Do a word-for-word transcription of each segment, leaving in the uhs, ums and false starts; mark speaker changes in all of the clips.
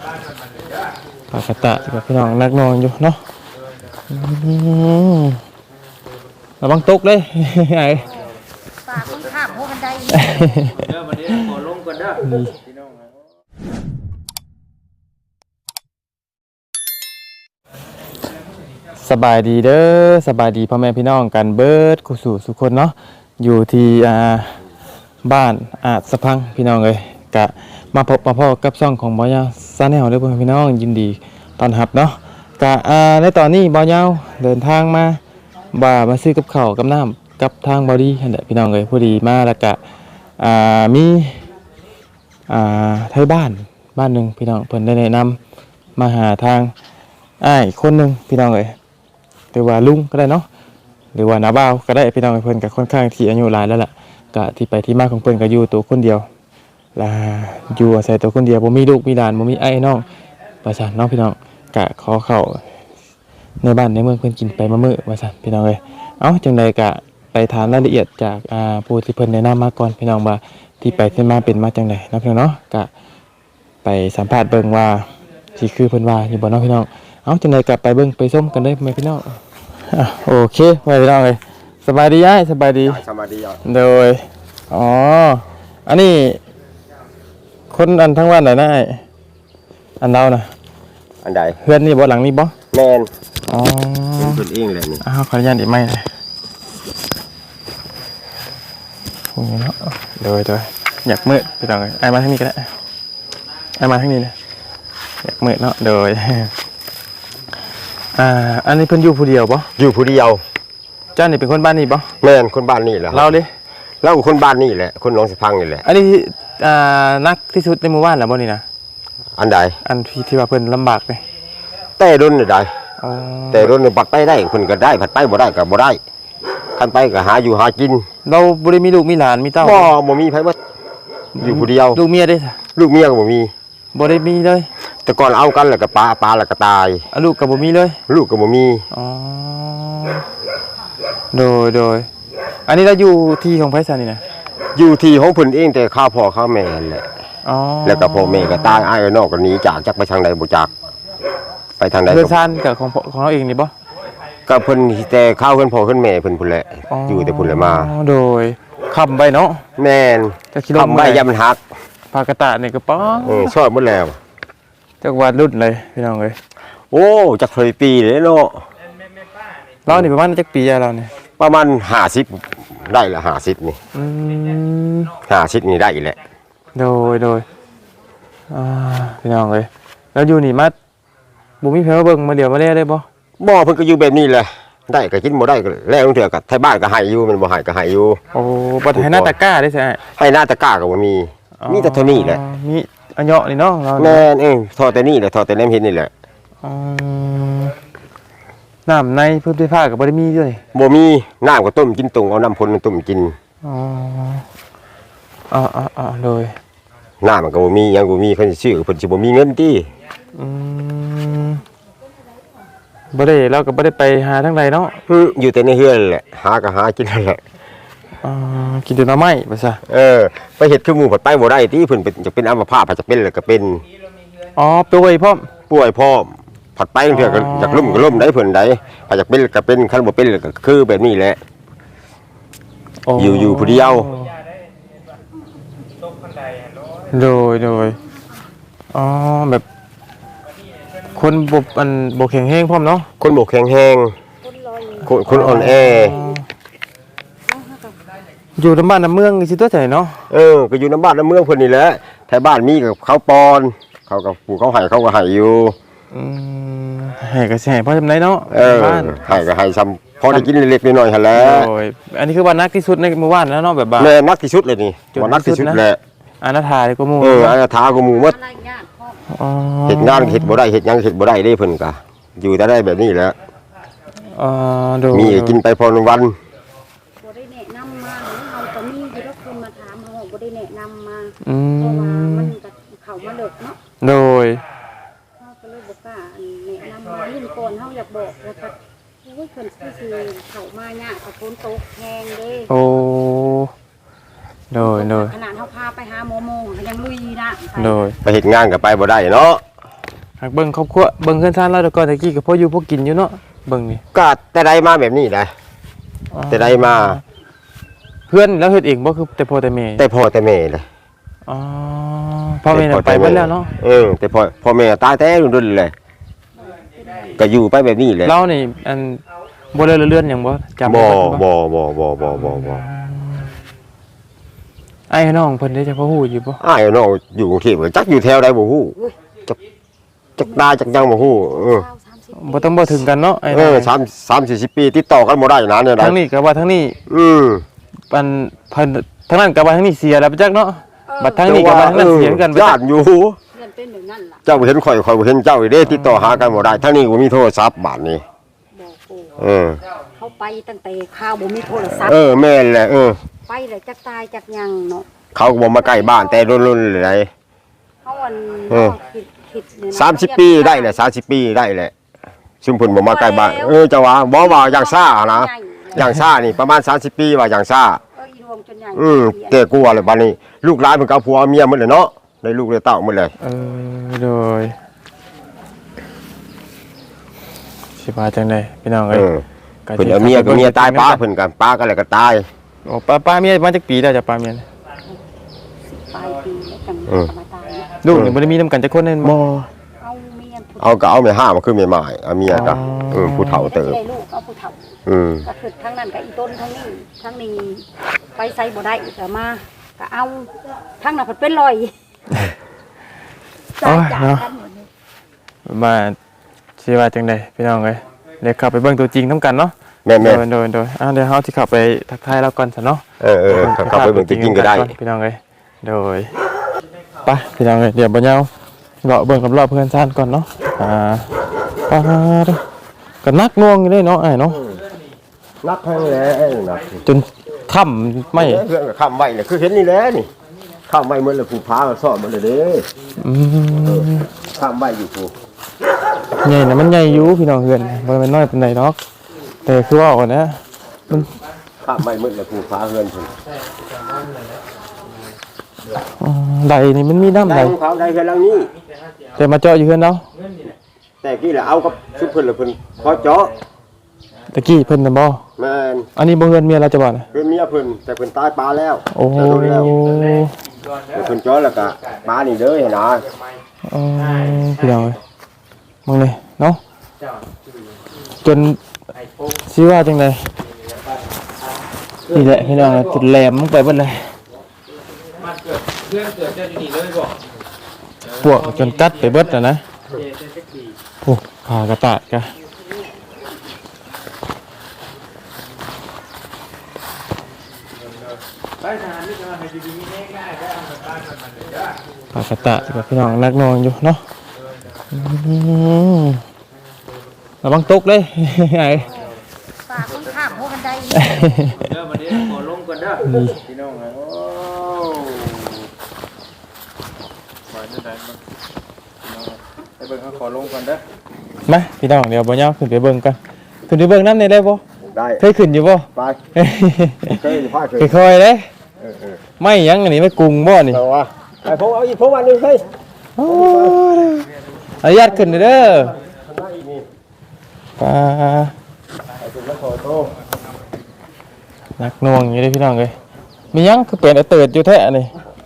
Speaker 1: ปากกระตะกับพี่น้องนักนอนอยู่เนาะระวังตกเลยไอ้
Speaker 2: ปากมันข้ามหัวบันไดเด้อวันนี้ขอลงก่อนเด้อพี่น้อง
Speaker 1: สบายดีเด้อสบายดีพ่อแม่พี่น้องกันเบิดกุสู่สุคนเนาะอยู่ที่อ่าบ้านอาจสะพังพี่น้องเลยกะมาพบมาพ่อกับซ่องของบ่าวยาวซาแนลเด้อพ่อแม่พี่น้องยินดีต้อนรับเนาะกะอ่าในตอนนี้บ่าวยาวเดินทางมาบ่ามาซื้อกับข้าวกับน้ำกับทางบอดี้นั่นแหละพี่น้องเลยพอดีมาแล้วกะอ่ามีอ่าไทยบ้านบ้านหนึ่งพี่น้องเพิ่นได้แนะนำมาหาทางอ้ายคนหนึ่งพี่น้องเลยหรือว่าลุงก็ได้เนาะหรือว่าน้าบ่าวก็ได้พี่น้องเพิ่นก็ค่อนข้างที่อายุหลายแล้วล่ะก็ที่ไปที่มาของเพิ่นก็อยู่ตัวคนเดียวลาอยู่อาศัยตัวคนเดียวบ่มีลูกมีหลานบ่มีไอ้น้องว่าซั่นเนาะพี่น้องก็ขอเข้าในบ้านในเมืองเพิ่นกินไปมื้อมื้อว่าซั่นพี่น้องเอ้ยเอ้าจังไดก็ไปถามรายละเอียดจากอ่าผู้ที่เพิ่นแนะนำมาก่อนพี่น้องว่าที่ไปที่มาเป็นมาจังไดเนาะพี่น้องเนาะก็ไปสัมภาษณ์เบิ่งว่าสิคือเพิ่นว่าอยู่บ่เนาะพี่น้องเอ้าจังไดก็ไปเบิ่งไปชมกันเลยแม่พี่น้องอ่ะโอเคไปพี่น้องเอ้ยสบายดีอ้ายสบายดี
Speaker 3: สบายดีอ่ะ
Speaker 1: โดยอ๋ออันนี้คนอันทั้งวันไหนนะไอ้อันเรานะ
Speaker 3: อันใด
Speaker 1: เพื่อนนี่บ่หลังนี่บ่
Speaker 3: แมน
Speaker 1: อ๋อ
Speaker 3: เป็นคนเองเลยนี่
Speaker 1: อ้าวขออนุญาตอีกไหมเลยโอ้ยเนาะโดยโดยอยากมืดพี่น้องเลยไอ้มาทางนี้ก็ได้ไอ้มาทางนี้นะอยากมืดเนาะโดยอ่าอันนี้เพิ่นอยู่ผู้เดียวบ่
Speaker 3: อยู่ผู้เดียว
Speaker 1: เจ้านี่เป็นคนบ้านนี่บ่
Speaker 3: แมนคนบ้านนี่แหละ
Speaker 1: เราดิ
Speaker 3: เราคนบ้านนี่แหละคนหนองสะพังนี่แหละ
Speaker 1: อันนี้อ่านักที่สุดในหมู่บ้านเหรอบ่นี่นะ
Speaker 3: อันใด
Speaker 1: อันที่ที่ว่าเพิ่นลำบากเลย
Speaker 3: แต่รุ่นใด
Speaker 1: อ๋อ
Speaker 3: แต่รุ่นบัดไปได้เพิ่นก็ได้ผัดไปบ่ได้ก็บ่ได้คันไปก็หาอยู่หากิน
Speaker 1: เราบ่ได้มีลูกมีหลานมีเต้า
Speaker 3: บ่บ่มีไผบ่อยู่ผู้เดียว
Speaker 1: ลูกเมียได้ซะ
Speaker 3: ลูกเมียก็บ่มี
Speaker 1: บ่ได้มีเลย
Speaker 3: แต่ก่อนเอากันแล้วก็ปลาปลาแล้วก็ตาย
Speaker 1: ลูกก็บ่มีเลย
Speaker 3: ลูกก็บ่มี
Speaker 1: อ๋อโดยโดยอันนี้เราอยู่ที่ของไผซะนี่นะ
Speaker 3: อยู่ที่ของเพิ่นเองแต่ข้าวพ่อข้าวแม่นั่นแหละ
Speaker 1: อ๋อ
Speaker 3: แล้วก็พ่อแม่ก็ตายอ้ายน้องก็หนีจากจักไปทางใดบ่จักไปทางใด
Speaker 1: เพื่อนซ่านกับของของเราเองนี่บ่
Speaker 3: ก็เพิ่นแต่ข้าวเพิ่นพ่อเพิ่นแม่เพิ่นพุ่นแหละอยู่แต่พุ่นแหละมา
Speaker 1: โดยค้ำไว้เนาะ
Speaker 3: แม่นค้ำไว้ยามมันหัก
Speaker 1: ปากกระตะนี่ก็ป้อ
Speaker 3: เออชอบหมดแล้ว
Speaker 1: จักวาดรุ่นเลยพี่น้องเอ้ย
Speaker 3: โอ้จักเคยปีเลยเนาะ
Speaker 1: เรานี่ประมาณจักปีเราเนี่ย
Speaker 3: ประมาณห้าสิบได้ละห้าสิบนี่
Speaker 1: อืม
Speaker 3: ห้าสิบนี่ได้อีกแหละ
Speaker 1: โดยโดยอ่าพี่น้องเอ้ยแล้วอยู่นี่มาบ่มีเพิ่นมาเบิ่งมาเดี๋ยวมาแลได้บ่
Speaker 3: บ่เพิ่นก็อยู่แบบนี้แหละได้ก็กินบ่ได้ก็แล้วเถื่อก็ไทบ้านก็ให้อยู่มันบ่ให้ก็ให้อยู่
Speaker 1: โอ้บ่ให้หน้าตะกร้าได้ใช่
Speaker 3: ให้หน้าตะกร้าก็บ่มีมีแต่เท่านี้แหละ
Speaker 1: มีอันเหาะนี่เนาะ
Speaker 3: แม่นเองทอแต่นี่แหละทอแต่แหลมเห็ดนี่แหละ
Speaker 1: อ๋อน้ำในพื้นที่ภาคก็บ่ได้มีด้วย
Speaker 3: บ่มีน้ำก็ต้มกินตุ่งเอาน้ำพ่นต้มกิน
Speaker 1: อ๋ออ๋อๆๆโดย
Speaker 3: น้ำมันก็บ่มียังบ่มีเพิ่นสิซื้อเพิ่นสิบ่มีเงินติ
Speaker 1: อืมบ่ได้เราก็บ่ได้ไปหาทางใดเนาะ
Speaker 3: อืออยู่แต่ในเฮือนแหละหาก็หากินนั่นแหละ
Speaker 1: อ๋อกินแต่หน่อไม้ว่าซะ
Speaker 3: เออไปเฮ็ดคือหมู่ผัดไปบ่ได้ติเพิ่นเป็นจะเป็นอัมพาตจะเป็นแล้วก็เป็น
Speaker 1: อ๋อป่วยพร้อม
Speaker 3: ป่วยพร้อมผัดไปเถื่อก็อยากล้มก็ล้มได้เพิ่นได้ถ้าอยากเป็นก็เป็นคันบ่เป็นก็คือแบบนี้แหละอยู่อยู่ผู้เดียว
Speaker 1: โดยโดยอ๋อแบบคนบอันบกแข็งแห้งพร้อมเนาะ
Speaker 3: คนบกแข็งแห้งคนคนอ่อนแอ
Speaker 1: อยู่ในบ้านในเมืองสิตัวใจเนาะ
Speaker 3: เออก็อยู่ในบ้านในเมืองเพิ่นนี่แหละแถวบ้านมีกับเขาปอนเขากับปู่เขาให้เขาก็ให้อยู่
Speaker 1: อืมให้ก็สิให้พอจำได้เนาะ
Speaker 3: เออให้ก็ให้ซ้ำพอได้กินเล็กๆน้อยๆหั่นแหละ
Speaker 1: โอ้ยอันนี้คือวันนักที่สุดในหมู่บ้านแล้วเนาะแบบว่า
Speaker 3: แม่นักที่สุดเลยนี่วันนักที่สุดแหละ
Speaker 1: อนาถาก็หมู่
Speaker 3: เอออนาถาก็หมู่หมด
Speaker 1: อ๋อ
Speaker 3: เฮ็ดงานเฮ็ดบ่ได้เฮ็ดหยังเฮ็ดบ่ได้เด้เพิ่นก็อยู่แต่ได้แบบนี้แหละ
Speaker 1: อ๋อโด
Speaker 3: มีกินไปพอวัน
Speaker 2: บ่ได้แนะนำมาเฮาก็มีอยู่แล้วคนมาถามเฮาบ่ได้แนะนำมา
Speaker 1: อืม
Speaker 2: เพราะว่ามันก็เข้ามาเลิกเนาะ
Speaker 1: โดย
Speaker 2: เฮาก็เลยบ่กล้าแนะนำมารุ่นก่อนเฮาอยากบอกว่าก็โอ้ยเพิ่นสิเข้ามายากกับฝนตกแฮงเด้
Speaker 1: โอ้โดยโดย
Speaker 2: ขนาดเฮาพาไปหาหมอโมงก็ยังลุยนะ
Speaker 1: โดย
Speaker 3: ไปเฮ็ดงานก็ไปบ่ได้เนาะ
Speaker 1: หากเบิ่งครอบครัวเบิ่งเพื่อนซ่านเราแต่ก่อนตะกี้ก็พออยู่พอกินอยู่เนาะเบิ่งนี่
Speaker 3: ก็แต่ใดมาแบบนี้แหละแต่ใดมา
Speaker 1: เพื่อนแล้วเฮ็ดเองบ่คือแต่พ่อแต่แม่
Speaker 3: แต่พ่อแต่แม่เลย
Speaker 1: อ๋อพ่อแม่น่ะไปเบิดแล้วเนาะ
Speaker 3: เออแต่พ่อพ่อแม่ตายแต่รุ่นๆเลยก็อยู่ไปแบบนี้แหละ
Speaker 1: เรานี่อันบ่เลยเลื่อนหยังบ่จำ
Speaker 3: บ่
Speaker 1: ได้บ่
Speaker 3: บ่บ่บ่บ่บ่บ่
Speaker 1: ไอ้น้องเพิ่นได้จะพอฮู้อยู่บ่
Speaker 3: อ้ายน้องอยู่กรุงเทพจักอยู่แถวใดบ่ฮู้จักจักตาจักยังบ่ฮู้เออ
Speaker 2: เก้าสามสิบ
Speaker 1: บ่ต้องบ่ถึงกันเนาะไอ้
Speaker 3: เอ
Speaker 1: น้อง
Speaker 3: อสาม สามสี่สิบปีติดต่อกันบ่ได้นะเนี่ยได้
Speaker 1: ทั้งนี้ก็ว่าทั้งนี้
Speaker 3: อืม
Speaker 1: อันเพิ่นทั้งนั้นก็ว่าทั้งนี้เสียแล้วไปจักเนาะบัดทั้งนี้ก็ว่าทั้งนั้นเสียกันไป
Speaker 3: ญา
Speaker 1: จัก
Speaker 3: ติอยู่
Speaker 2: เพื่อนเป็นแบบนั้นล่ะ
Speaker 3: เจ้าบ่เห็นข่อยข่อยบ่เห็นเจ้าอีเด้ติดต่อหากันบ่ได้ทั้งนี้ก็มีโทรศัพท์บาดนี้
Speaker 2: บอกโอ้
Speaker 3: เออ
Speaker 2: เขาไปตั้งแต่ข้าวบ่มีโทรศัพท์
Speaker 3: เออแม่นแหละเออ
Speaker 2: ไปเลยจักตายจักยังเนาะ
Speaker 3: เขาก็บ่มาใกล้บ้านแต่รุ่นๆเลย
Speaker 2: เขาวัน
Speaker 3: เออ
Speaker 2: คิดคิดเนี่ยนะ
Speaker 3: สามสิบปีได้แหละสามสิบปีได้แหละซึ่งเพิ่นบ่มาใกล้บ้านเออเจ้าว่าบ่ว่าอย่างซ่านะอย่างซ่านี่ประมาณสามสิบปีว่าอย่างซ่า
Speaker 2: เอออีรวมจนใหญ่
Speaker 3: อืมแต่กลัวเลยบัดนี้ ลูกหลานเพิ่นก็เอาผัวเอาเมียหมดเลยเนาะได้ลูกได้เต้าหมดเลย
Speaker 1: เออโดยสิว่าจังได๋พี่น้อง
Speaker 3: เอ
Speaker 1: เอ้ย
Speaker 3: อ
Speaker 1: ก็
Speaker 3: เพิ่นเอาเมียกับเมียตายป้าเพิ่นกันป้ากันแล้วก็ตาย
Speaker 1: โอ้ป้าป้าเมียมาจักปีแล้วจ้ะป้าเมีย
Speaker 2: ปลายปีแล้วจัง
Speaker 3: เออ
Speaker 2: จะมาตายเนี่ย
Speaker 1: ลูกนี่บ่ได้มีนํกันจักคนแน่นบ่
Speaker 2: เอาเมียผู้
Speaker 3: เอาก็เอาแม่ห้ามาคือแม่หมายเอาเมียก็เออผู้เฒ่าเติบ
Speaker 2: ได้ลูกเอาผู้เฒ่า
Speaker 3: อืม
Speaker 2: ก็คือทั้งนั้นกับอีต้นทั้งนี้ทั้งนี้ไปใส่บ่ได้ก็มาก็เอาทั้งนั้นเพิ่นเป็นรอย
Speaker 1: โอ้ย
Speaker 2: จาก
Speaker 1: เนาะ
Speaker 2: กันหมดเลย
Speaker 1: มาสิว่าจังได๋พี่น้องเอ้ยเดี๋ยวเข้าไปเบิ่งตัวจริงนํกันเนาะ
Speaker 3: แม่
Speaker 1: โด
Speaker 3: แม่
Speaker 1: ยโดยโดยอ่าเดี๋ยวเฮาสิเข้าไปทักทายเราก่อนซะเนาะ
Speaker 3: เออเออเขาเขาไปเบิ่งจริงๆก็ได้
Speaker 1: พี่น้องเอ้ยโดยไปพี่น้องเอ้ยเดี๋ยวบ่ยาวเลาะเบิ่งรอบๆเพื่อนซ่านก่อนเนาะอ่าปาดก็นักหน่วงอยู่เด้เนาะอ้ายเนาะ
Speaker 3: รักให้แหละนัก
Speaker 1: จนค่ำไม่
Speaker 3: เรื่องข้ามไว้เนี่ยคือเห็นนี่แหละนี่ข้ามไว้เหมือนเลยผู้พาก็สอนมันเลยเด้
Speaker 1: อืม
Speaker 3: ข้ามไว้อยู่ผู้
Speaker 1: ใหญ่นะมันใหญ่อยู่พี่น้องเฮือนบ่แม่นน้อยปานใดดอกแต่คือว่าเอานะมัน
Speaker 3: ข้ามไว้เหมือนเลยผู้พาเฮือนผู้
Speaker 1: อ๋อใดนี่มันมีน้ำ
Speaker 3: ได้
Speaker 1: ใด
Speaker 3: ของเขาได้แค่ลังนี้
Speaker 1: แต่มาเจาะอยู่เฮือนเนาะ
Speaker 3: แต่กี้แหละเอากับชุดเพิ่นละเพิ่นขอเจาะ
Speaker 1: ตะกี้เพิ่นน่ะบ่
Speaker 3: แม่น
Speaker 1: อันนี้บ่เฮือนเมียเราจะบ่น่ะ
Speaker 3: เป็นเมียเพิ่นแต่เพิ่นตายปลาแล้ว
Speaker 1: โอ้
Speaker 3: แต่โดนแล้วแต่เพิ่นเจาะแล้วก็ปลานี่เด้อเห็นนะ
Speaker 1: เออพี่น้องเอ้ยมึงเลยเนาะจนสิว่าจังไดนี่แหละพี่น้องเอ้ยจุดแหลมลงไปเบิดเลยพวกจนกัดไปเบิดน่ะนะโอ้ผ่ากระตาดกะผ่ากระตาดกับพี่น้องนักนอนอยู่เนาะอืมระวังตกเลย ไอ้
Speaker 2: ฝากคนข้ามหัวกันได
Speaker 4: เด้อมาเด้อขอลงก่อนเด้อพี่น้องเอ้ยโอ้ไปเด้อได้บ่พี่น้องเอ้ยไปเบิ่งเขาขอลงก่อนเด้อ
Speaker 1: มาพี่น้องเดี๋ยวบ่ยาวขึ้นไปเบิ่งกันขึ้นไปเบิ่งน้ำในได้บ่
Speaker 3: ได้
Speaker 1: เคยขึ้นอยู่บ่
Speaker 3: ไปเคยพาเคย
Speaker 1: ค่อยๆเด้
Speaker 3: เออเออ
Speaker 1: ไม่หยังอันนี้ไม่กรุงบ่นี่
Speaker 3: เอาว่าไอ้พงเอาอีกพงอันหนึงเฮ้ย
Speaker 1: โอ้ยอนุญาตขึ้นเด้อปลา
Speaker 3: ไอ้ถึงมาขอโทษ
Speaker 1: นักหน่วงอยู่เด้พี่น้องเอ้ยมีหยังคือเป็นไอ้เติดอยู่แท้นี่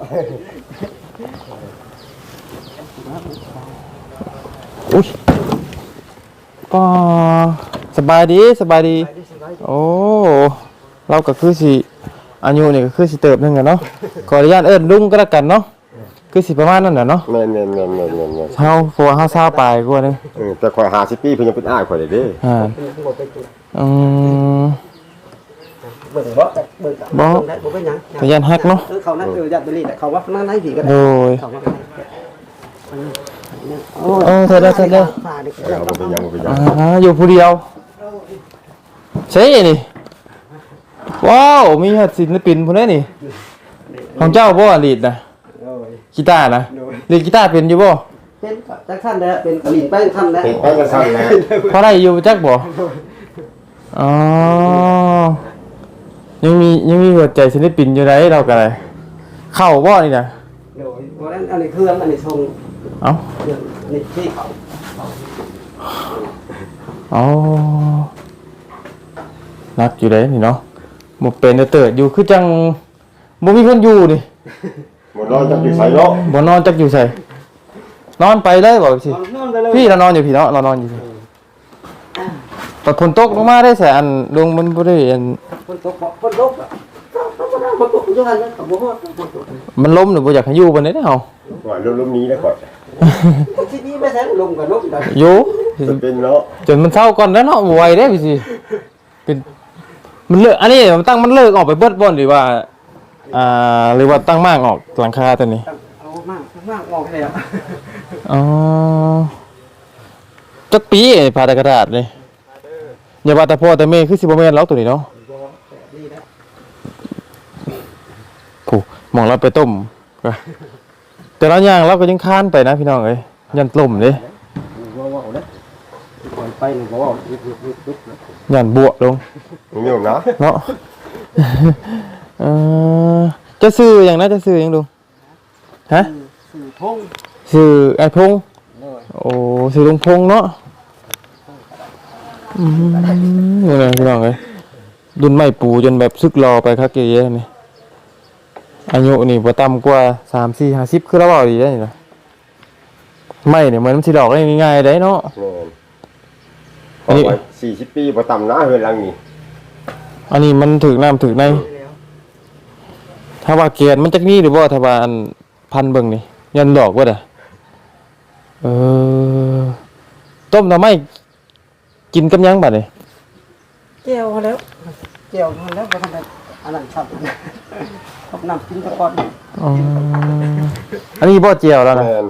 Speaker 1: อุ้ยปาสบายดีสบายดีโอ้เราก็คือสิอายุนี่ก็คือสิเติบหนึงอะเนาะขออนุญาตเอิ้นลุงก็แล้วกันเนาะคือสิประมาณนั้นน่ะเนาะ
Speaker 3: แม่นแม่นแม่นแม่นแม่นแม่น
Speaker 1: เฮาเพราะว่าเฮาซาปลายกว่านึง
Speaker 3: เออแต่ข่อยห้าสิบปีเพิ่นยังเป็นอ้ายข่อยเลยเด้
Speaker 1: อ่าอืม
Speaker 5: เบิ่งบ่เบิ่ง
Speaker 1: บ่
Speaker 5: ได้บ่เป็นหยัง
Speaker 1: พยานฮักเนาะ
Speaker 5: เออเขานั่นเออญาติบริแต่เขาว่านั่นไหนผีก็
Speaker 1: โด
Speaker 5: ได้
Speaker 1: ย
Speaker 5: เขาว่าโอ้
Speaker 1: โอ้เธอเด้อเธอเด้อ
Speaker 5: ฝ่าดิ
Speaker 3: เออบ่เป็นหยังบ่เป็นหยัง
Speaker 1: อ่าอยู่ผู้เดียวใช่นี่ว้าวมีหัดศิลปินพุ่นเด้นี่ของเจ้าบ่ลีดนะ
Speaker 5: โอ้ย
Speaker 1: กีตาร์นะลีดกีตาร์เป็นอยู่บ่
Speaker 5: เป็นจักท่านได้เป็นกะหรี่แป้งท่านได้
Speaker 3: เฮ็ดไปกันซั่นแหละ
Speaker 1: พอได้อยู่จักบ่อ๋อยังมียังมีหัวใจศิลปินอยู่ไดเราก็ได้เข้าบ่นี่นะ
Speaker 5: โดยเพราะนั้นอันนี้เครื่องอันนี้ทรง
Speaker 1: เอ้า
Speaker 5: เครื่องอันนี้ที่เขา
Speaker 1: อ๋อนักอยู่เด้นี่เนาะบ่เป็นเติร์ดอยู่คือจังบ่มีคนอยู่นี่
Speaker 3: หมดนอนจักอยู่ไสเนาะ
Speaker 1: บ่นอนจักอยู่ไสนอนไปเลยบอกสิ
Speaker 5: นอนไปเลย
Speaker 1: พี่เรานอนอยู่พี่เนาะเรานอนอยู่พี่ตอนฝนตกลงมาได้แสอันลงมันบ่ได้อัน
Speaker 5: คนตกคนตกอ่ะคนตกอยู่หั่นเลยก็บ่ฮอดคนตก
Speaker 1: มันล้มหรือบ่อยากให้อยู่บนนี้เด้อเฮา
Speaker 3: ว่าลมๆนี้แล้วก่อน
Speaker 5: ที่นี่ไม่แท้ลงกับลมได้
Speaker 1: อยู่
Speaker 3: มันเป็นเนาะ
Speaker 1: จนมันเศร้าก่อนแล้วเนาะบ่ไหวเด้พี่สิเป็นมันเลิกอันนี้มันตั้งมันเลิกออกไปเบิดบ่หรือว่าอ่าหรือว่าตั้งมากออกหลังคาตัวนี้
Speaker 5: เอามากมากออกเลยอ่ะ
Speaker 1: อ๋อจักปีไอ้ผ่าตะกระดาษเลยอย่าว่าแต่พ่อแต่แม่คือสิบ่แม่นแล้วตัวนี้เนาะ
Speaker 5: นี่นะ
Speaker 1: ผู้หมองเราไปต้มก็แต่ละอย่างเราก็ยังค้านไปนะพี่น้องเอ้ยยันล่มเด้
Speaker 5: ว่าว่าเด้ก่อนไปนี่บ่ว่ายุบยุบยุบยุบนะ
Speaker 1: ยันบวลง
Speaker 3: มีอยู่นะ
Speaker 1: เนาะ เออจะซื้ออย่างนั้นจะซื้ออย่างดูฮะ
Speaker 5: สื่อทง
Speaker 1: ซื้อไอ้พงษ์
Speaker 5: เลย
Speaker 1: โอ้ซื้อลุงพงษ์เนาะอืมนี่นะพี่น้องเอ้ยดุนไม้ปูจนแบบซึกรอไปคักเยอะๆนี่อายุนี่บ่ต่ำกว่าสามสี่ห้าสิบคือเราเว้าดีได้นี่นะไม่เนี่ยเหมือนมันสิดอกได้ง่ายๆได้เนาะ
Speaker 3: แม่น
Speaker 1: อันนี้
Speaker 3: เอาไว้สี่สิบปีบ่ต่ำนะเฮือนหลังนี้
Speaker 1: อันนี้มันถึกน้ำถึกใน
Speaker 5: แล้ว
Speaker 1: ถ้าว่าเกียนมันจักนี้หรือว่าถ้าว่าอันพันเบิ่งนี่ยันดอกว่าอ่ะเออต้มหน่อไม้กินกับหยังบัดนี่
Speaker 5: แก้วแล้วแก้วมันแล้วบ่ทันได้อันนั้นครับครับน้ำกินตะกอน
Speaker 1: อ๋ออันนี้บ่เจียวแล้วนะ
Speaker 3: แม่น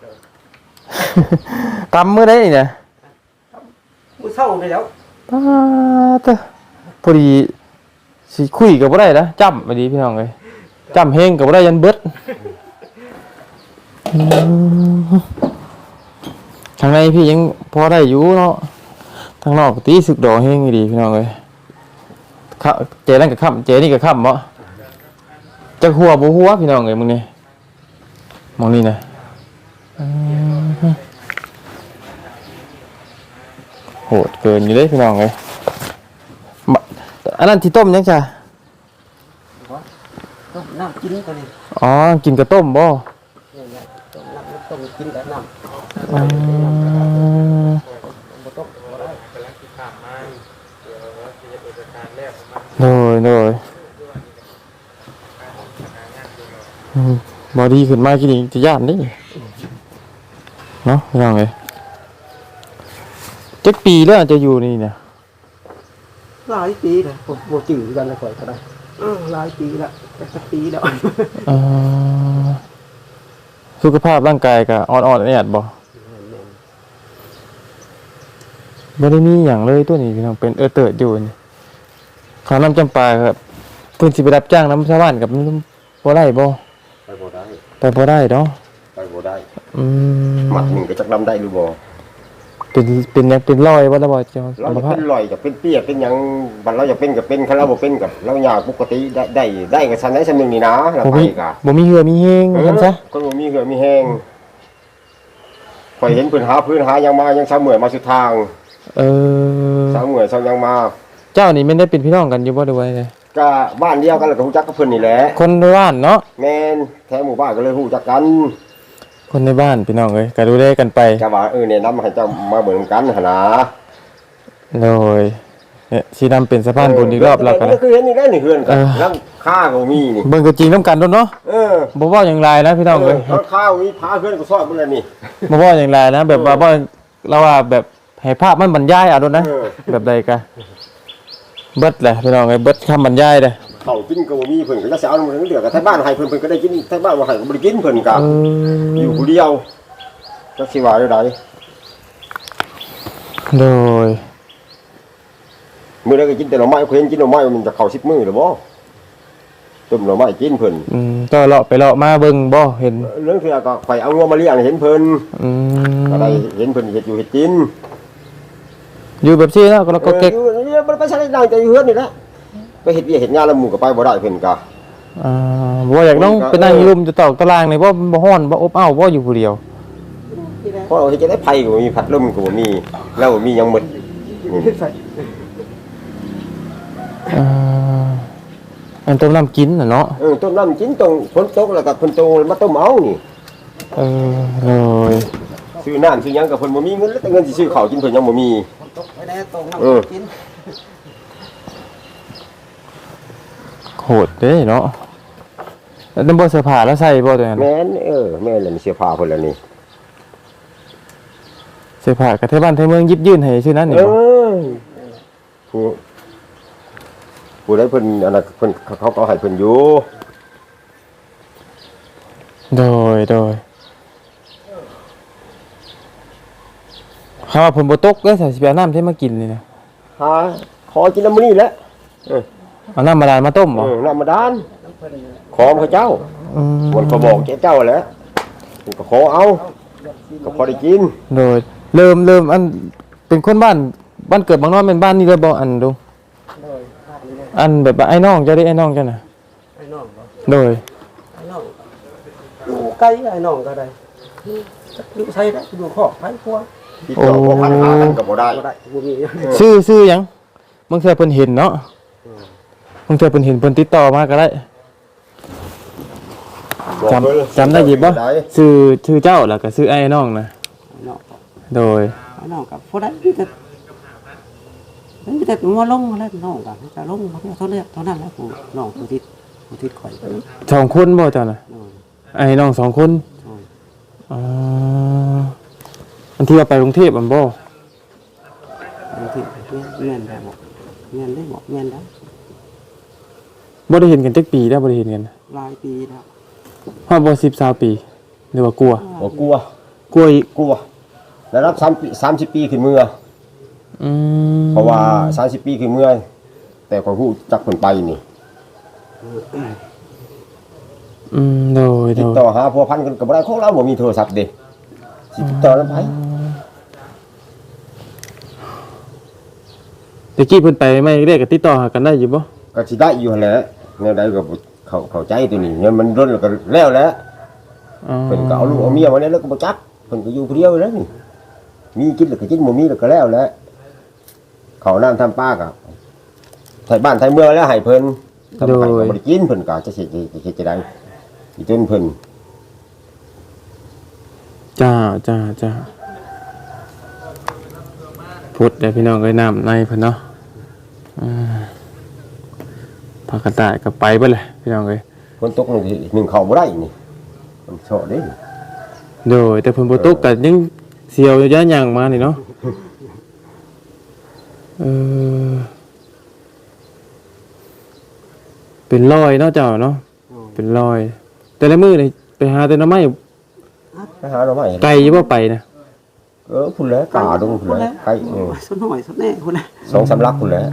Speaker 1: ตำมื้อใดนี่นะ
Speaker 5: มื้อเช้าได้แล้ว
Speaker 1: ปาตะพอดีสิคุยก็บ่ได้นะจ้ำพอดีพี่น้องเอ้ยจ้ำเฮงก็บ่ได้ยันเบิดอืมทางในพี่ยังพอได้อยู่เนาะทางนอกตีสึกดอกเฮงอยู่ดีพี่น้องเอ้ยค่ะเจนั่นก็ค่ำเจนี่ก็ค่ำบ่จักหัวบ่หัวพี่น้องเอ้ยมึงนี่มองนี่นะอืมโหดเกินอยู่เด้พี่น้องเอ้ยบะอันนั้นที่ต้มยังจ้ะ
Speaker 5: ต้มน้ำกินก็นี่
Speaker 1: อ๋อกินกับต้มบ่
Speaker 5: นี่แหละต้มน้ำต้มกินแต่น้ำ
Speaker 1: อืม
Speaker 5: บ่ต้มบ่ได้
Speaker 1: โดยโดยอืมบอดีขึ้นมากินอีกจะย่านนี่เนาะยังไงเจ็ดปีแล้วจะอยู่นี่เนี่ย
Speaker 5: หลายปีแล้วผมบ่จื้อกันแล้วข่อยก็ได้เออหลายปีแล้วสักปีแล้ว
Speaker 1: เอ่อสุขภาพร่างกายก็อ่อนๆแอดๆบ่บ่ได้มีหยังเลยตัวนี้พี่น้องเป็นเออเติร์ดอยู่นี่ข้าวน้ำจำปาครับเพิ่นสิไปรับจ้างน้ำชาวบ้านกับมันบ่ได้บ่
Speaker 3: ไปบ่ได้
Speaker 1: ไปบ่ได้เนาะ
Speaker 3: ไปบ่ได้
Speaker 1: อืม
Speaker 3: มัดหนึงก็จักนำได้หรือบ่
Speaker 1: เป็นเป็นหยังเป็นรอยบ่ล่ะบ่เจ้า
Speaker 3: เรา
Speaker 1: อัม
Speaker 3: จะ
Speaker 1: พา
Speaker 3: เป็
Speaker 1: ต
Speaker 3: นลอยจะเป็นเปี้ยเป็นหยังบัดเราจะเป็นก็เป็นคันเราบ่เป็นก็เราอยากปกติได้ได้ได้ก็ซันได้ซันหนึงนี่นะเรา
Speaker 1: บ่
Speaker 3: ไป
Speaker 1: มี
Speaker 3: ก็
Speaker 1: บ่มีเหือมีแฮงว่าซั่นซะ
Speaker 3: คนบ่มีเหือมีแห้งข่อยเห็นเพิ่นหาพื้นหาหยังมายังเช้าเมื่อยมาสุดทาง
Speaker 1: เออ
Speaker 3: เช้าเมื่อยเช้ายังมา
Speaker 1: เจ้านี่แม่นได้เป็นพี่น้องกันอยู่บ่ได้ไว้เลย
Speaker 3: ก็บ้านเดียวกันแล้วก็ฮู้จักกับเพิ่นนี่แหละ
Speaker 1: คนในบ้านเนาะ
Speaker 3: แม่นแท้หมู่บ้านก็เลยฮู้จักกัน
Speaker 1: คนในบ้านพี่น้องเอ้ยก็ดูแลกันไป
Speaker 3: จะว่าเออแนะนำให้เจ้ามาเบิ่งกันหั่นนะ
Speaker 1: โดยเนี่ยสินำเป็นสะพานบุญอีกรอบแล้วกัน
Speaker 3: ก็คือเห็นนี่ได้นี่เฮือนกัน
Speaker 1: เออ
Speaker 3: หลังค่าก็มีนี่
Speaker 1: เบิ่งตัวจริงนํกันโดนเนาะ
Speaker 3: เออ
Speaker 1: บ่เว้าหยังหลายนะพี่น้อง
Speaker 3: เอ
Speaker 1: เอ้
Speaker 3: อย หลังค่ามีพาเฮือนก็ซอยเบิ่งแล้วนี่
Speaker 1: บ่เว้าหยังหลายนะแบบว่าบ่เราว่าแบบให้ภาพมันบรรยายเอาโดนนะ
Speaker 3: เออ
Speaker 1: แบบใดกะเบิดแหละพี่น้องเอ้ยเบิดคำบรรยายเด้อ
Speaker 3: เขากินก็บ่มีเพิ่นก็จะสิเอาเงินเหลือกับที่บ้านให้เพิ่นเพิ่นก็ได้กินที่บ้านบ่ให้ก็บ่ได้กินเพิ่นก็
Speaker 1: เอ
Speaker 3: อ
Speaker 1: อยู่
Speaker 3: ผู้เดียวจักสิว่าได้ได
Speaker 1: โดย
Speaker 3: มื้อใดก็กินแต่หน่อไม้เพิ่นกินหน่อไม้มันจะเข้าสิบมื้อหรือบ่ต้มหน่อไม้กินเพิ่น
Speaker 1: อืมก็เลาะไปเลาะมาเบิ่งบ่เห็น
Speaker 3: เรื่องเทื่อก็ข่อยเอางัวมาเลี้ยงให้เห็นเพิ่น
Speaker 1: อืม
Speaker 3: อะไรเห็นเพิ่นเฮ็ดอยู่เฮ็ดกิน
Speaker 1: อยู่แบบซี่แล้วก็เราก็เก๊ก
Speaker 3: อออยู่นี่บ่ไปใช้ได้แต่อยู่เฮือนนี่แหละไปเฮ็ดเวียกเฮ็ดงานแล้วหมู่ก็ไปบ่ได้เพิ่นก็
Speaker 1: อ่าบ่อยากน้องไปนั่งอยู่รุมจะตอกตารางนี่บ่บ่ฮ้อนบ่อบอ้าวบ่อยู่ผู้เดียว
Speaker 5: ที่แล้ว
Speaker 3: เพราะเราจะได้ไผก็บ่มีพัดลมก็บ่มีแล้วบ่มีหยังหมดนี่
Speaker 5: ใส่
Speaker 1: เอ่ออันต้มน้ำกินน่ะเนาะ
Speaker 3: เออต้มน้ำกินตรงฝนตกแล้วก็เพิ่นตรงมาต้มเอานี่
Speaker 1: เออเลย
Speaker 3: ซื้อน้ำซื้อหยังก็เพิ่นบ่มีเงินแล้วแต่เงินสิซื้อข้าวกินเพิ่นยังบ่มี
Speaker 5: ตกไปแน่ตรงน้
Speaker 3: เออ
Speaker 5: ำกิน
Speaker 1: โหดเด้เนาะแล้วน้ำบ่เสื้อผ้าแล้วใส่บ่ตัวนั้น
Speaker 3: แม่นเออแม่นแล้วนี่เสื้อผ้าเพิ่นแล้วนี่
Speaker 1: เสื้อผ้ากระเทยบ้านเทยเมืองยิบยื่นให้ชื่อนั้นนี่
Speaker 3: เอ
Speaker 1: บ่
Speaker 3: อผู้ผู้ใดเพิ่นอันนั้นเพิ่นเขาก็ให้เพิ่นอยู่
Speaker 1: โดยโดยคำว่าผมบ่ตกเด้อใส่สิไปเอาน้ำที่มากินนี่นะ
Speaker 3: หาขอกินน้ำมื้อนี้แหละเออ
Speaker 1: เอาน้ำบาดาลมาต้มบ่
Speaker 3: เออน้ำมาดานขอพระเจ้า
Speaker 1: อืม
Speaker 3: มันก็บอกแกเจ้าแหล้วก็ขอเอาก็พอได้กิน
Speaker 1: โดยเริ่มเริ่มอันเป็นคนบ้านบ้านเกิดบางน้อยเป็นบ้านนี่เลยบ่อันดู
Speaker 5: โดยภาพนี้เลย
Speaker 1: อันแบบว่าไอ้น้องเจ้าได้ไอ้น้องเจ้าน่ะ
Speaker 5: ไอ้น้องบ่
Speaker 1: โดย
Speaker 5: ไอ้น้องอยู่ใกล้ไอ้น้องก็ได้อยู่ใส่ได้อยู่ขอบไผพวก
Speaker 3: ที่ตัวพวกพันหากันก็บ่ได้
Speaker 5: บ่ได้บ่มี
Speaker 1: ชื่อชื่อหยังบางเทื่อเพิ่นเห็นเนาะบางเทื่อเพิ่นเห็นเพิ่นติดต่อมาก็ได้จำจำได้ยิบบ่ชื่อชื่อเจ้าแล้วก็ชื่อไอ้น้องนะ
Speaker 5: ไอ้น้อง
Speaker 1: โดย
Speaker 5: ไอ้น้องกับพวกนั้นมีแต่มีแต่มาลงแล้วน้องกับจะลงมาเท่านี้เท่านั้นแหล้วผู้น้องผู้ทิศผู้ทิศข่อยไป
Speaker 1: สองคนบ่เจ้าน่ะ
Speaker 5: โดย
Speaker 1: ไอ้น้องสองคน
Speaker 5: โดย
Speaker 1: อ๋ออันที่ว่าไปกรุงเทพฯอันบ่
Speaker 5: ผู้ทิศเงี้ยได้บอกเงี้ยได้บอกเงี้ยได้
Speaker 1: บ่ได้เห็นกันจักปีแล้วบ่ได้เห็นกัน
Speaker 5: หลายปีแล้ว
Speaker 1: ฮอดบ่สิบ สามปีหรือว่ากลัว
Speaker 3: บ่กลัว
Speaker 1: กลัวอีก
Speaker 3: กลัวแล้วรับ3ปีสามสิบปีขึ้นเมื่อ
Speaker 1: อืม
Speaker 3: เพราะว่าสามสิบปีขึ้นเมื่อแต่ก็ฮู้จักเพิ่นไปนี่
Speaker 1: อืมโดยโด
Speaker 3: ติด
Speaker 1: ย
Speaker 3: ต่อหาพัวพันกันก็บ่ได้ของเราบ่มีโทรศัพท์เด้สิติดต่อนำไผ
Speaker 1: ตะกี้เพิ่นไปไม่ได้ก็ติดต่อหากันได้อยู่บ่
Speaker 3: ก็สิได้อยู่หั่นแหละแนวใดก็บ่เข้าเข้าใจตัวนี้เงินมันล้นแล้วก็แล้วแหละ
Speaker 1: อ๋อ
Speaker 3: เพิ่นก็เอาลูกเอาเมียมาเนี่ยแล้วก็บ่จักเพิ่นก็อยู่ผู้เดียวแล้วนี่มีกินแล้วก็กินบ่มีแล้วก็แล้วแหละข้าวน้ำทำปลาก็ไทยบ้านไทยเมืองแล้วให้เพิ่นทำให้ก็บ่ได้กินเพิ่นก็จะสิจะสิจะได้อีต้นเพิ่น
Speaker 1: จ้าจ้าจ้าพุดเด้อพี่น้องเอ้ยน้ำในเพิ่นเนาะอ่าพากระต่ายก็ไปเบิดเลยพี่น้องเอ้ย
Speaker 3: ฝนตกนึงหนึ่งเข้าบ่ได้นี่มันเฉาะเด้
Speaker 1: โดยแต่เพิ่นบ่ตกก็ยังเสียวอยู่ย่าหยังมานี่เนาะเออเป็นรอยเนาะเจ้าเนาะเป็นรอย แต่ละมื้อนี่ไปหาแต่หน่อไม้
Speaker 3: ไปหาเราใหม่
Speaker 1: ไกลอยู่บ่ไปนะ
Speaker 3: เออพุ่นแหล้วกาดงพุ่นแหล้วไก่เออ
Speaker 5: สน้อยสแน่คนละ
Speaker 3: สองสามลักพุ่นแหล้ว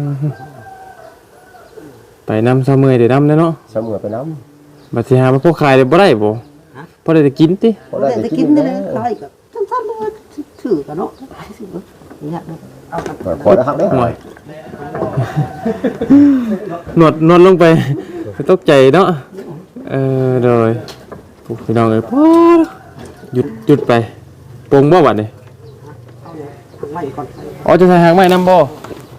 Speaker 1: ไปนำซะเมื่อยได้นำเนาะ
Speaker 3: เสมอไปน้
Speaker 1: บัดสิหามาพวกขายได้บ่ได้บ่พอได้แต่กินติ
Speaker 3: ำพอ
Speaker 5: ได้
Speaker 3: ได้
Speaker 5: ได้
Speaker 3: ได้
Speaker 5: กิ
Speaker 3: กิ
Speaker 5: น
Speaker 3: น
Speaker 5: ได้
Speaker 3: ได้
Speaker 5: เลย
Speaker 3: เลย
Speaker 5: ใครก็สั้นๆเลยถือกันเนาะไปสิเว้ยอยากเลยเอากัน
Speaker 3: พอได้หักได้
Speaker 1: หน่อยนวดนวดลงไปตกใจเนาะเออโดยพวกพี่น้องเอ้ยพอหยุดหยุดไปปงบ่บัดนี้
Speaker 5: เอาเลยไม่ก่อน
Speaker 1: อ๋อจะใส่หางไม้นำบ่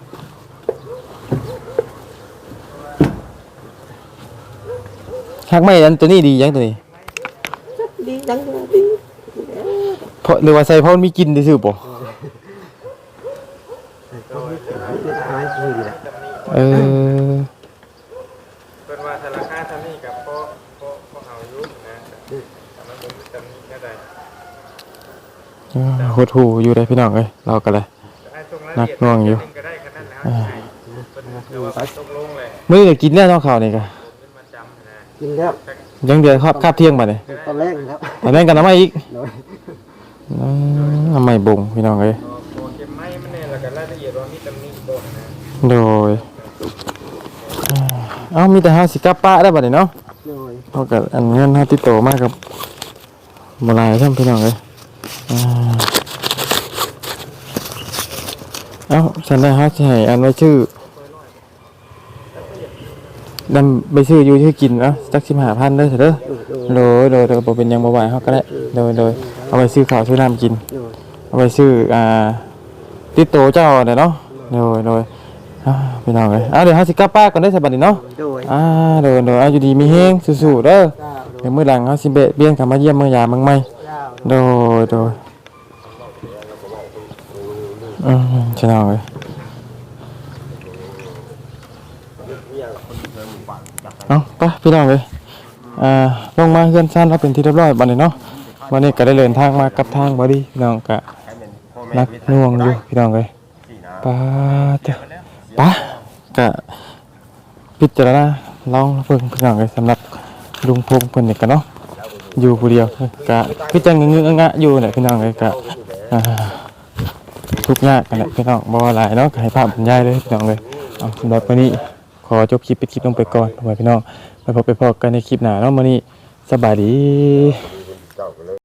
Speaker 1: หางไม้อันตัวนี้ดียังตัวนี้
Speaker 5: ดีจังเลยดี
Speaker 1: เพราะหรือว่าใส่เพราะมันมีกลิ่นซื่อๆบ่
Speaker 5: อายคือแหละ
Speaker 1: เออ
Speaker 4: เพิ่นว่าธนาคารทำนี่กับพ่อพ่อพ่อเอาอยู่นะแต่มันบ่มีตำหนิแค่ใด
Speaker 1: โหดหูอยู่ได้พี่น้องเอ้ยเราก็เลย
Speaker 4: แต่ให้ตรงราย
Speaker 1: นั
Speaker 4: ละ
Speaker 1: ก
Speaker 4: เอียด
Speaker 1: หน่วงอยู่
Speaker 4: นิดนึก็ได้แค่นั้นแล้วให้เพิ่นดูว่าตกลงเลย
Speaker 1: มื้อนี้กินแล้วเนาะข้าวนี่ก็
Speaker 4: เป็นประจำนะ
Speaker 5: กินแล้ว
Speaker 1: ยังเดือดครับคาบเที่ยงบัดนี้
Speaker 5: ตอนแรกแล้ว
Speaker 1: ตอนนั้นกันน้ำไม้อีก
Speaker 5: โดย
Speaker 1: อืมน้ำไม้บ่งพี่น้องเอ้ย
Speaker 4: พอพอเก็บไม้มันเนี่ยแล้วก็รายละเอียดว่ามีตำหนิบ่นะ
Speaker 1: โดยเอ้ามีแต่เฮาสิกลับป้าได้บัดนี้เนาะ
Speaker 5: โดย
Speaker 1: เฮาก็อันเงินเฮาติดต่อมากับบ่หลายซ้ํพี่น้องเอ้ยอ่าเอ้าฉันได้เฮาสิให้อันไว้ชื่อดำไปชื่ออยู่ชื่อกินเนาะจักสิบห้าพันเด้อเถอะเด้อโดยโดยโดยบ่เป็นหยังบ่ไหวเฮาก็ได้โดยโดย
Speaker 5: ได้
Speaker 1: เอาไปซื้อข้าวซื้อน้ำกิน
Speaker 5: โดย
Speaker 1: เอาไปซื้ออ่าติดโตเจ้าเด้อเนาะโดยโดยอ่าพี่น้องเอ้ยอ่าเดี๋ยวเฮาสิกลับป้านก่อนได้อสบัดนี้เนาะ
Speaker 5: โดย
Speaker 1: อ่าโดยโดยเอาอยู่ดีมีแฮงสู้ๆเด้อ
Speaker 5: เจ้า
Speaker 1: เดี๋ยวมื้อหลังเฮาสิเบะเบียนกลับมาเยี่ยมเมื่อยามเมืองใหม่
Speaker 5: เจ้า
Speaker 1: โดยโดยอืมพี่น้องเอ้ยเอาไปพี่น้องเอ้ยอ่าลงมาเฮือนซ่านแล้วเป็นที่เรียบร้อยบัดนี้เนาะวันนี้ก็ได้เดินทางมากับทางบ่ดีพี่น้องก็ นักหน่วงอยู่พี่น้องเลยป้าเจ้าป้ากะพิจารณาลองเพิ่งพี่น้องเลยสำหรับลุงพงษ์เพิ่นนี่กันเนาะอยู่ผู้เดียวกะคือจังเงื้องะอยู่แหละพี่น้องเลยกะอ่าทุกข์ยากกันแหละพี่น้องบ่หลายเนาะก็ให้ภาพบรรยายเลยพี่น้องเลยเอาสำหรับวันนี้ขอจบคลิปไปคลิปลงไปก่อนไว้พี่น้องไปพบไปพบกันในคลิปหน้าเนาะมื้อนี้สบายดี